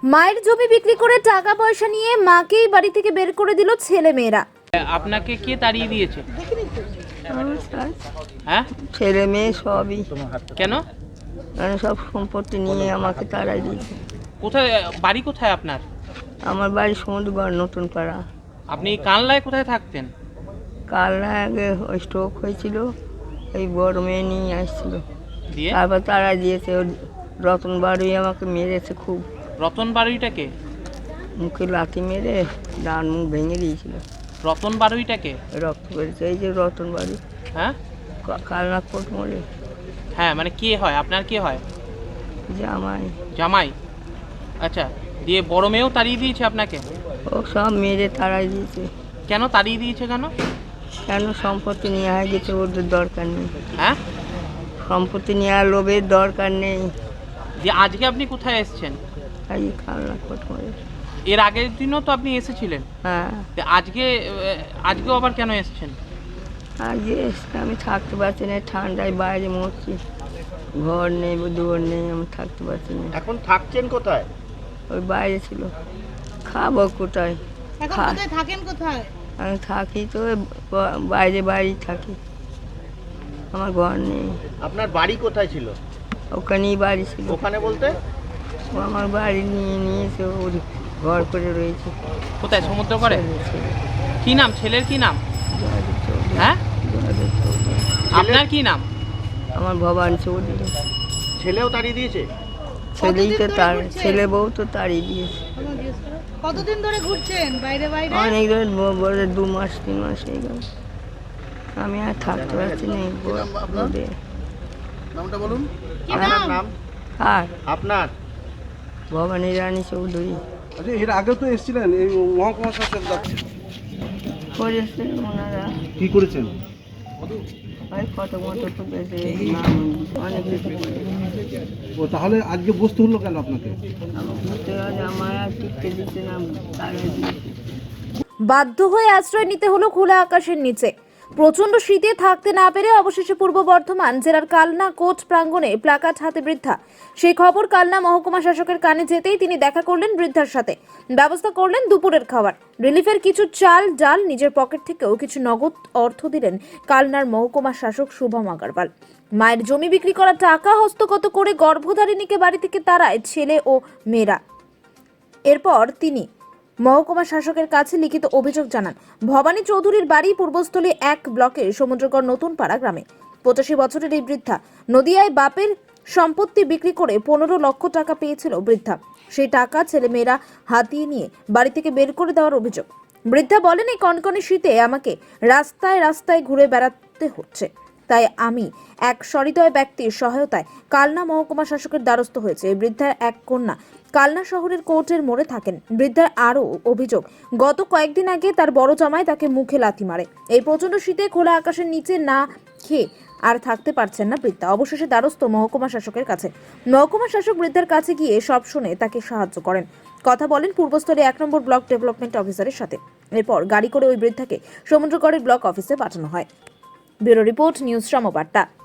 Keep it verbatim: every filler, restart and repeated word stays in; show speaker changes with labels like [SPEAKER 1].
[SPEAKER 1] মায়ের জমি বিক্রি করে টাকা পয়সা নিয়ে মাকেই বাড়ি থেকে বের করে দিল ছেলে মেয়েরা।
[SPEAKER 2] আপনাকে কে তাড়িয়ে দিয়েছে? হ্যাঁ,
[SPEAKER 3] ছেলে মেয়ে সবই।
[SPEAKER 2] কেন?
[SPEAKER 3] মানে সব সম্পত্তি নিয়ে আমাকে তাড়াই দিয়েছে।
[SPEAKER 2] কোথায় বাড়ি? কোথায় আপনার?
[SPEAKER 3] আমার বাড়ি সমুদ্রগড়, নতুন পাড়া।
[SPEAKER 2] আপনি কানলায় কোথায় থাকতেন?
[SPEAKER 3] কাল আগে ওই স্ট্রোক হয়েছিল, এই বড় মেয়ে নিয়ে আসছিল,
[SPEAKER 2] দিয়ে
[SPEAKER 3] তারপর তাড়াই দিয়েছে। ওর রতন বাড়ি আমাকে মেরেছে খুব।
[SPEAKER 2] রতন বাড়িটাকে?
[SPEAKER 3] মুখে লাথি মেরে ডান মুখ ভেঙে দিয়েছিল।
[SPEAKER 2] রতন বাড়িটাকে?
[SPEAKER 3] রক্ত বেরিয়েছে, এই যে রতন বাড়ি।
[SPEAKER 2] হ্যাঁ,
[SPEAKER 3] কালনাথ কোট মোড়ে।
[SPEAKER 2] হ্যাঁ, মানে কে হয় আপনার? কে হয়?
[SPEAKER 3] জামাই।
[SPEAKER 2] জামাই? আচ্ছা, দিয়ে বড় মেয়েও তাড়িয়ে দিয়েছে আপনাকে?
[SPEAKER 3] ও সব মেরে তাড়াই দিয়েছে।
[SPEAKER 2] কেন তাড়িয়ে দিয়েছে? কেন?
[SPEAKER 3] কেন? সম্পত্তি নিয়ে হয়ে গেছে, ওদের দরকার নেই।
[SPEAKER 2] হ্যাঁ,
[SPEAKER 3] সম্পত্তি নেওয়ার লোভের দরকার নেই।
[SPEAKER 2] দিয়ে আজকে আপনি কোথায় এসেছেন?
[SPEAKER 3] এই কালনা কোট মোড়ে।
[SPEAKER 2] এর আগের দিনও তো আপনি এসেছিলেন।
[SPEAKER 3] হ্যাঁ,
[SPEAKER 2] আজকে আজকেও আবার কেন এসেছেন?
[SPEAKER 3] আজকে এসে আমি থাকতে পারছি না, ঠান্ডায় বাইরে মরছি। ঘর নেই, দুয়ার নেই, আমি থাকতে পারছি না।
[SPEAKER 4] এখন থাকছেন কোথায়?
[SPEAKER 3] ওই বাইরে ছিল। খাবো কোথায়?
[SPEAKER 5] এখন
[SPEAKER 3] খা-
[SPEAKER 5] কোথায় থাকেন? কোথায়?
[SPEAKER 3] আমি থাকি তো ওই ব- বাইরে বাইরে থাকি, আমার ঘর নেই।
[SPEAKER 4] আপনার বাড়ি কোথায় ছিল?
[SPEAKER 3] ওখানেই বাড়ি ছিল।
[SPEAKER 4] ওখানে বলতে?
[SPEAKER 3] ও আমার বাড়ি নিয়ে নিয়েছে, ওর ঘর করে রয়েছে।
[SPEAKER 2] কোথায়? সমুদ্র করে? কি নাম ছেলের? কি নাম?
[SPEAKER 3] জয়দেব চৌধুরী।
[SPEAKER 2] হ্যাঁ,
[SPEAKER 3] জয়দেব চৌধুরী।
[SPEAKER 2] আপনার কি নাম?
[SPEAKER 3] আমার ভবান চৌধুরী।
[SPEAKER 4] ছেলেও তাড়িয়ে দিয়েছে?
[SPEAKER 3] ছেলেই তো
[SPEAKER 5] কতদিন ধরে
[SPEAKER 3] তার
[SPEAKER 5] ঘুরছে?
[SPEAKER 3] ছেলে বউ তো তাড়িয়ে দিয়েছে।
[SPEAKER 5] কতদিন ধরে ঘুরছেন বাইরে বাইরে?
[SPEAKER 3] অনেক ধরে ব- বলে দু মাস তিন মাস হয়ে গেল। আমি আর থাকতে পারছি না এই ব- রোদে।
[SPEAKER 4] নামটা বলুন।
[SPEAKER 5] কি
[SPEAKER 4] আপনার
[SPEAKER 5] নাম?
[SPEAKER 4] নাম?
[SPEAKER 3] আর
[SPEAKER 4] আপনার?
[SPEAKER 3] ভবানী রানী চৌধুরী।
[SPEAKER 6] আচ্ছা, এর আগেও তো এসেছিলেন এই মহকুমা শাসক দপ্তরে।
[SPEAKER 3] করেছেন ওনারা,
[SPEAKER 6] কি করেছেন?
[SPEAKER 3] ওই ফটো মতো তুলেছে, নাম অনেক কিছু করেছে।
[SPEAKER 6] ও তাহলে আজকে বসতে হলো কেন আপনাকে?
[SPEAKER 3] আমার ঘুরতে গেলে আমার আর টিকতে দিচ্ছে না, তাড়াই দিয়েছে।
[SPEAKER 1] বাধ্য হয়ে আশ্রয় নিতে হলো খোলা আকাশের নিচে। প্রচন্ড শীতে থাকতে না পেরে অবশেষে পূর্ব বর্ধমান জেলার কালনা কোর্ট প্রাঙ্গণে প্লাকার্ড হাতে বৃদ্ধা। সেই খবর কালনা মহকুমা শাসকের কানে যেতেই তিনি দেখা করলেন বৃদ্ধার সাথে, ব্যবস্থা করলেন দুপুরের খাবার, রিলিফের কিছু চাল ডাল, নিজের পকেট থেকেও কিছু নগদ অর্থ দিলেন কালনার মহকুমা শাসক শুভম আগারওয়াল। মায়ের জমি বিক্রি করা টাকা হস্তগত করে গর্ভধারিণীকে বাড়ি থেকে তাড়ায় ছেলে ও মেয়েরা। এরপর তিনি মহকুমা শাসকের কাছে লিখিত অভিযোগ জানান। ভবানী চৌধুরীর বাড়ি পূর্বস্থলী এক ব্লকের সমুদ্রগড় নতুন পাড়া গ্রামে। পঁচাশি বছরের এই বৃদ্ধা নদিয়ায় বাপের সম্পত্তি বিক্রি করে পনেরো লক্ষ টাকা পেয়েছিল বৃদ্ধা। সেই টাকা ছেলেমেয়েরা হাতিয়ে নিয়ে বাড়ি থেকে বের করে দেওয়ার অভিযোগ। বৃদ্ধা বলেন, এই কনকনে শীতে আমাকে রাস্তায় রাস্তায় ঘুরে বেড়াতে হচ্ছে, তাই আমি এক সহৃদয় ব্যক্তির সহায়তায় কালনা মহকুমা শাসকের দ্বারস্থ হয়েছে। এই বৃদ্ধার এক কন্যা কালনা শহরের কোর্টের মোড়ে থাকেন। বৃদ্ধার আরও অভিযোগ, গত কয়েকদিন আগে তার বড় জামাই তাকে মুখে লাথি মারে। এই প্রচন্ড শীতে খোলা আকাশের নিচে না খেয়ে আর থাকতে পারছেন না বৃদ্ধা। অবশেষে দ্বারস্থ মহকুমা শাসকের কাছে। মহকুমা শাসক বৃদ্ধার কাছে গিয়ে সব শুনে তাকে সাহায্য করেন। কথা বলেন পূর্বস্থলী এক নম্বর ব্লক ডেভেলপমেন্ট অফিসারের সাথে। এরপর গাড়ি করে ওই বৃদ্ধাকে সমুদ্রগড়ের ব্লক অফিসে পাঠানো হয়। Bureau report, news সমবার্তা।